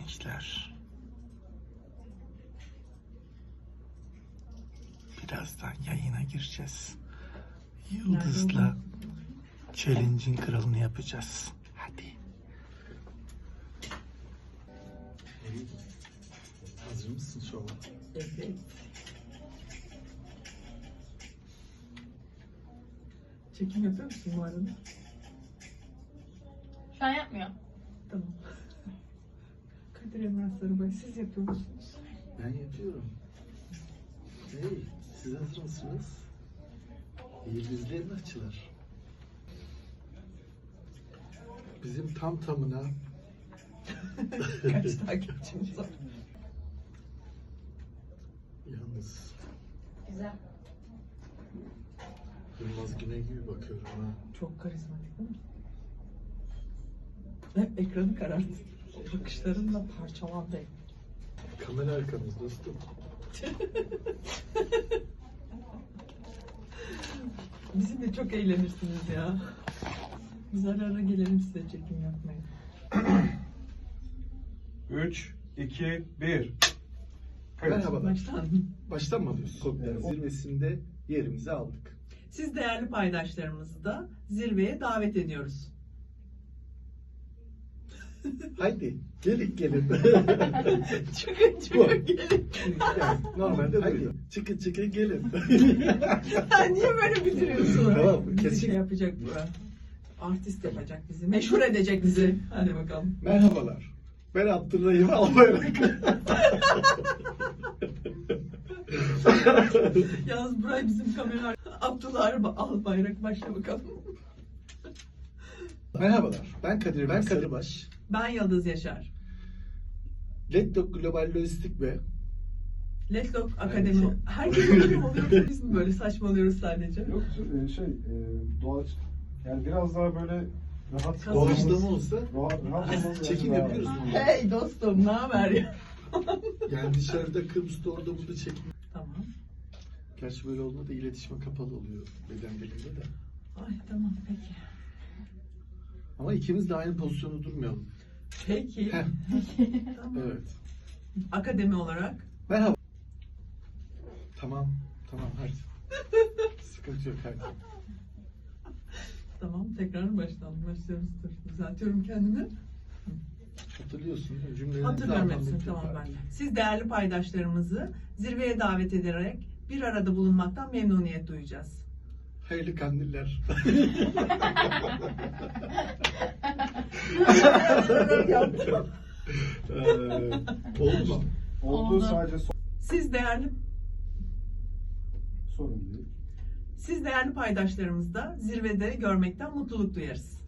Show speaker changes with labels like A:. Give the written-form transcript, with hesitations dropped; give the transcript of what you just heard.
A: gençler. Birazdan yayına gireceğiz. Yıldız'la challenge'in kralını yapacağız. Hadi. Hazır mısın şova?
B: Evet. Çekim yapıyor musun bu arada?
C: Şu an yapmıyor.
B: Tamam. Kadir Emrah Sarıbay, siz yapıyor musunuz?
A: Ben yapıyorum. Hey, siz hazır mısınız? Yıldızlı açılar. Bizim tam tamına
B: Kaç takipçimiz var?
A: yalnız
C: Güzel.
A: Yılmaz Güney gibi bakıyorum ha.
B: Çok karizmatik değil mi? Hep ekranı karart. Bakışlarınla parçalandı.
A: Kamera arkamız dostum.
B: Bizimle çok eğlenirsiniz ya. Biz ara ara gelelim size çekim yapmaya.
D: 3, 2, 1.
A: Merhabalar.
B: Baştan.
A: Baştan mı alıyorsun? Kokteil zirvesinde yerimizi aldık.
B: Siz değerli paydaşlarımızı da zirveye davet ediyoruz.
A: Haydi gelin.
B: Çıkın gelin.
A: Yani normalde haydi. Çıkın gelin.
B: Sen niye böyle bitiriyorsun?
A: Tamam,
B: Bizi
A: kesin.
B: şey yapacak bu. Artist yapacak bizi. Meşhur edecek bizi. Hadi bakalım.
A: Merhabalar. Ben Abdurrahim Albayrak.
B: Yalnız buraya bizim kamera Abdullah Albayrak, başla bakalım.
A: Merhabalar. Ben Kadir Sarıbaş.
B: Ben Yıldız Yaşar.
A: Letdok Global Lojistik ve
B: Letlock
A: Aynı
B: Akademi.
A: şey.
B: Herkes öyle mi oluyor? Biz mi böyle saçmalıyoruz sadece?
D: Yok doğaç yani biraz daha böyle rahat
A: doğaçlama olsa
D: rahat olmanız
A: çekim
D: lazım.
A: yapıyoruz.
B: Hey dostum, ne haber ya?
A: Yani dışarıda Kıbrıs'ta orada burada çekim.
B: Tamam.
A: Gerçi böyle olmadı iletişime kapalı oluyor beden dilinde de.
B: Ay tamam peki.
A: Ama ikimiz de aynı pozisyonda durmayalım.
B: Peki.
A: Heh.
B: Tamam.
A: Evet.
B: Akademi olarak.
A: Merhaba. Tamam hadi. Sıkıntı yok hadi.
B: Tamam, tekrar başlıyoruz. Dur, düzeltiyorum kendimi.
A: Hatırlıyorsun değil mi? Cümleleri
B: Hatırlıyorum
A: zaten
B: hepsini,
A: bitti
B: tamam
A: zaten.
B: ben de. Siz değerli paydaşlarımızı zirveye davet ederek bir arada bulunmaktan memnuniyet duyacağız.
A: Hayırlı kandiller. Oldu mu?
D: Olduğu
C: Oldu.
D: sadece
B: Siz değerli
D: sorun değil.
B: paydaşlarımızı da zirvede görmekten mutluluk duyarız.